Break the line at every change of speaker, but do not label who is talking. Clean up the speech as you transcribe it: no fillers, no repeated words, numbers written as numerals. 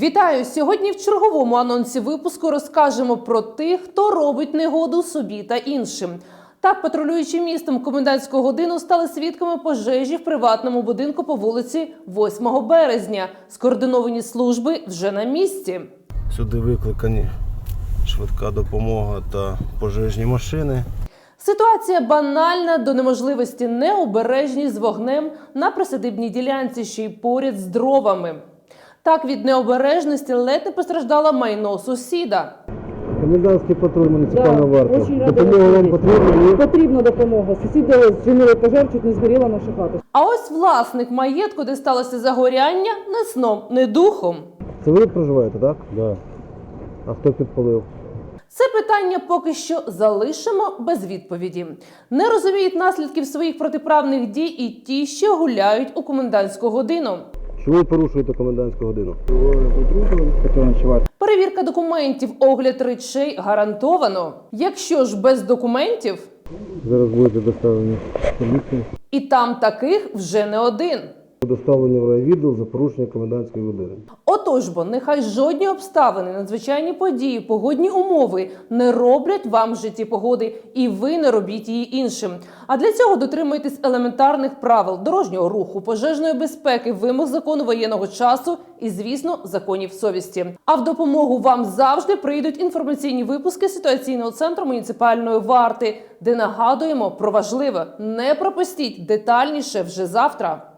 Вітаю! Сьогодні в черговому анонсі випуску розкажемо про тих, хто робить негоду собі та іншим. Так, патрулюючи містом в комендантську годину, стали свідками пожежі в приватному будинку по вулиці 8 березня. Скоординовані служби вже на місці.
Сюди викликані швидка допомога та пожежні машини.
Ситуація банальна до неможливості, необережність з вогнем на присадибній ділянці, ще й поряд з дровами. Так, від необережності ледь не постраждало майно сусіда.
Комендантський патруль муніципального варти.
Очень
Допомога вам потрібна?
Потрібна допомога. Сусіди зчинили пожар, чуть не згоріла наша хата.
А ось власник маєтку, де сталося загоряння, не сном, не духом.
Це ви проживаєте, так? Так. А хто підпалив?
Це питання поки що залишимо без відповіді. Не розуміють наслідків своїх протиправних дій і ті, що гуляють у комендантську годину.
Чому ви порушуєте комендантську годину?
Перевірка документів, огляд речей гарантовано. Якщо ж без документів,
Зараз будете доставлені в поліцію.
і там таких вже не один.
Доставлені в райвідділ за порушення комендантської години.
Отож бо, нехай жодні обставини, надзвичайні події, погодні умови не роблять вам в житті погоди, і ви не робіть її іншим. А для цього дотримуйтесь елементарних правил дорожнього руху, пожежної безпеки, вимог закону воєнного часу і, звісно, законів совісті. А в допомогу вам завжди прийдуть інформаційні випуски ситуаційного центру муніципальної варти, де нагадуємо про важливе. Не пропустіть, детальніше вже завтра.